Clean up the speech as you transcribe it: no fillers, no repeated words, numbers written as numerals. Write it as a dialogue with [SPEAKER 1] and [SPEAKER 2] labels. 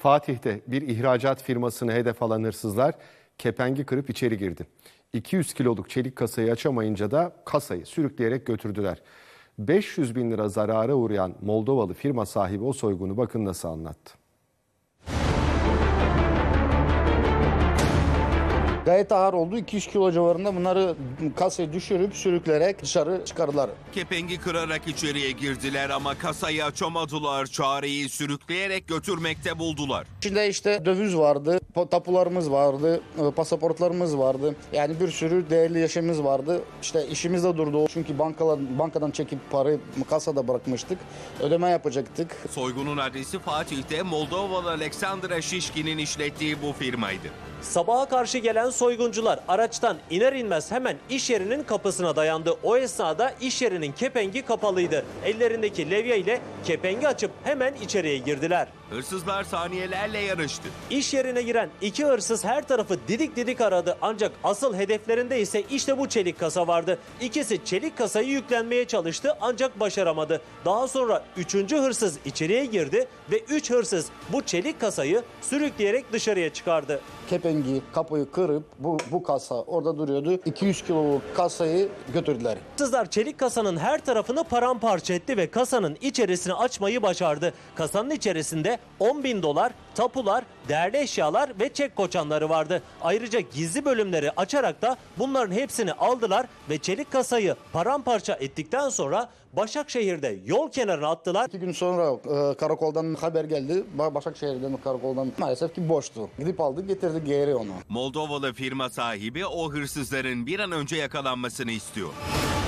[SPEAKER 1] Fatih'te bir ihracat firmasını hedef alan hırsızlar kepengi kırıp içeri girdi. 200 kiloluk çelik kasayı açamayınca da kasayı sürükleyerek götürdüler. 500 bin lira zarara uğrayan Moldovalı firma sahibi o soygunu bakın nasıl anlattı.
[SPEAKER 2] Gayet ağır oldu. 200 kilo civarında bunları kasaya düşürüp sürükleyerek dışarı çıkardılar.
[SPEAKER 3] Kepengi kırarak içeriye girdiler ama kasayı açamadılar. Çareyi sürükleyerek götürmekte buldular.
[SPEAKER 2] İçinde işte döviz vardı, tapularımız vardı, pasaportlarımız vardı. Yani bir sürü değerli eşyamız vardı. İşte işimiz de durdu. Çünkü bankadan çekip parayı kasada bırakmıştık. Ödeme yapacaktık.
[SPEAKER 3] Soygunun adresi Fatih'te Moldovalı Aleksandra Şişkin'in işlettiği bu firmaydı.
[SPEAKER 4] Sabaha karşı gelen soyguncular araçtan iner inmez hemen iş yerinin kapısına dayandı. O esnada iş yerinin kepengi kapalıydı. Ellerindeki levye ile kepengi açıp hemen içeriye girdiler.
[SPEAKER 3] Hırsızlar saniyelerle yarıştı.
[SPEAKER 4] İş yerine giren iki hırsız her tarafı didik didik aradı. Ancak asıl hedeflerinde ise işte bu çelik kasa vardı. İkisi çelik kasayı yüklenmeye çalıştı ancak başaramadı. Daha sonra üçüncü hırsız içeriye girdi ve üç hırsız bu çelik kasayı sürükleyerek dışarıya çıkardı.
[SPEAKER 2] Kepengi, kapıyı kırıp bu kasa orada duruyordu. 200 kiloluk kasayı götürdüler.
[SPEAKER 4] Hırsızlar çelik kasanın her tarafını paramparça etti ve kasanın içerisini açmayı başardı. Kasanın içerisinde 10 bin dolar, tapular, değerli eşyalar ve çek koçanları vardı. Ayrıca gizli bölümleri açarak da bunların hepsini aldılar ve çelik kasayı paramparça ettikten sonra Başakşehir'de yol kenarına attılar.
[SPEAKER 2] 2 gün sonra karakoldan haber geldi. Başakşehir'den karakoldan maalesef ki boştu. Gidip aldık getirdik geri onu.
[SPEAKER 3] Moldovalı firma sahibi o hırsızların bir an önce yakalanmasını istiyor.